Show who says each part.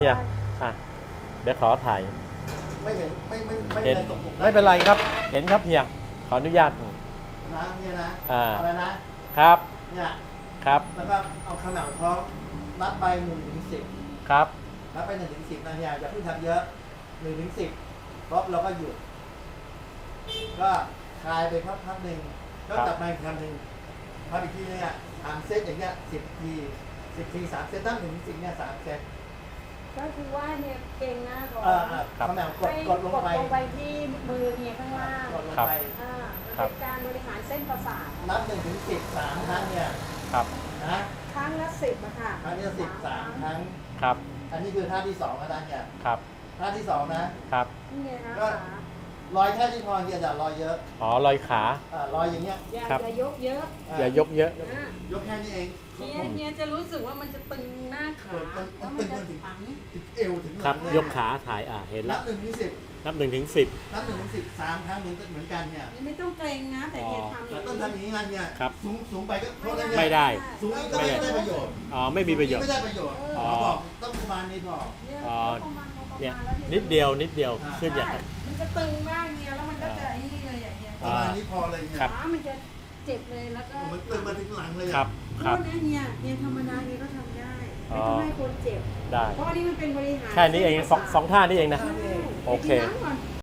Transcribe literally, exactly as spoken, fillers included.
Speaker 1: เนี่ยอ่ะเดี๋ยวขอถ่าย
Speaker 2: ไม่เห็นไม่ไม่ไม่
Speaker 1: เห็น
Speaker 2: เป็นไรตกหลุม
Speaker 1: ไม่เป็นไรครับ เห็นครับเฮียขออนุญาต
Speaker 2: นะเนี่ยนะ
Speaker 1: อ่า
Speaker 2: อะไรนะครับ เนี่ย
Speaker 1: ครับ
Speaker 2: แล้วก็เอาขนาดท้องนับไปหนึ่งถึงสิบ
Speaker 1: ครับ
Speaker 2: นับไปหนึ่งถึงสิบนะเนี่ยอย่าเพิ่งทำเยอะหนึ่งถึงสิบปุ๊บเราก็หยุด ก็คลายไปพักพักหนึ่งก็กลับมาอีกครั้งหนึ่งทำอีกทีนึงอ่ะสามเซตอย่างเงี้ยสิบทีสิบทีสามเซตตั้งหนึ่งถึงสิบเนี่ยสามเซต
Speaker 3: ก็คือว่าเนี่ยเก่งหน้าก่อน
Speaker 2: เออเออขนาดกด
Speaker 3: ให้
Speaker 2: กดลงไป
Speaker 3: ลงไปที่มือเนี่ยข้างล่าง
Speaker 2: กดลงไป
Speaker 3: อ่ามันเป็นการบริหารเส้นประสาท
Speaker 2: นับหนึ่งถึงสิบสามครั้งเนี่ย
Speaker 1: ครับ
Speaker 2: นะ
Speaker 3: ครั้งละสิบอะค่ะ
Speaker 2: ครั้งที่สิบสามครั้ง
Speaker 1: ครับ
Speaker 2: อันนี้คือท่าที่สองอาจารย์เนี่ย
Speaker 1: ครับ
Speaker 2: ท่าที่สองนะครับ
Speaker 3: นี่ไงคะ
Speaker 2: ก็
Speaker 3: ขา
Speaker 2: ลอยแค่ที่พอเกียร์จะลอยเยอะ
Speaker 1: อ๋อลอยขา
Speaker 2: อ่าลอยอย่างเงี้ย
Speaker 3: อย่า
Speaker 1: ครับ
Speaker 3: อย่ายกเยอะ
Speaker 2: อ่า
Speaker 1: อย่ายกเยอะ
Speaker 3: อ่าย
Speaker 2: กแค่นี้เอง
Speaker 3: เนี่ยเนี่ยจะรู้สึกว่ามันจะตึงหน้าขาแล้วมันจะฝัง
Speaker 2: ถึงเอวถึงห
Speaker 1: ครั
Speaker 2: ลั
Speaker 1: บ
Speaker 2: งเลย
Speaker 1: ยกขาถ่ายอ่ะเห็น
Speaker 2: นั
Speaker 1: แล้
Speaker 2: บ
Speaker 1: ว
Speaker 2: หนึ่งถึงสิบ
Speaker 1: นับหนึ่งถึงสิบ
Speaker 2: นับหนึ่งถึงสิบสามครั้งเหมือนเหมือนกันเนี่ย
Speaker 3: ไม่ต้องเกรงนะแต่เนี่ยทำ
Speaker 2: เราต้องทำอย่างนี้งานเนี่ย
Speaker 1: ครับ
Speaker 2: สูงสูงไปก็โทษนะเนี่ย
Speaker 1: ไม่ได้
Speaker 2: สูงอีกก็ไม่ได้ประโยชน์
Speaker 1: อ๋อไม่มีประโยชน์
Speaker 2: ไม่ได้ประโยชน์
Speaker 1: อ๋อ
Speaker 2: เขาบอกต้องประมาณนี้พอ
Speaker 3: เนี่ย
Speaker 1: อ๋อ
Speaker 3: ประมาณประมาณ
Speaker 1: เนี่ย
Speaker 3: แล้ว
Speaker 1: นิดเดียวนิดเดียว
Speaker 2: อ่า
Speaker 1: ขึ้นอย่าง
Speaker 3: ใช่
Speaker 1: นั้น
Speaker 3: มันจะตึงมากเนี่ยแล้วมันก็จะไอ้นี่เลยอย่างเงี้ย
Speaker 2: ประมาณนี้พอเลยเนี่ย
Speaker 1: ครับ
Speaker 3: ขามันจะเจ็บเลยแล้วก็
Speaker 2: มันตึงมาถึงหลังเลยอะ
Speaker 1: ครับ
Speaker 3: โท
Speaker 1: ครับ
Speaker 3: ษนะเนี่ยเนี่ยธรรมดาเนี่ยก็ทำได้ไม่ต้องให้คนเจ็บ
Speaker 1: ได้
Speaker 3: เพราะอันนี้มันเป็นบริหาร
Speaker 1: แค่นี้เองสองสองท่านี้เองนะ
Speaker 3: ใช่
Speaker 1: โอเค
Speaker 3: ไปกินน้ำก่อน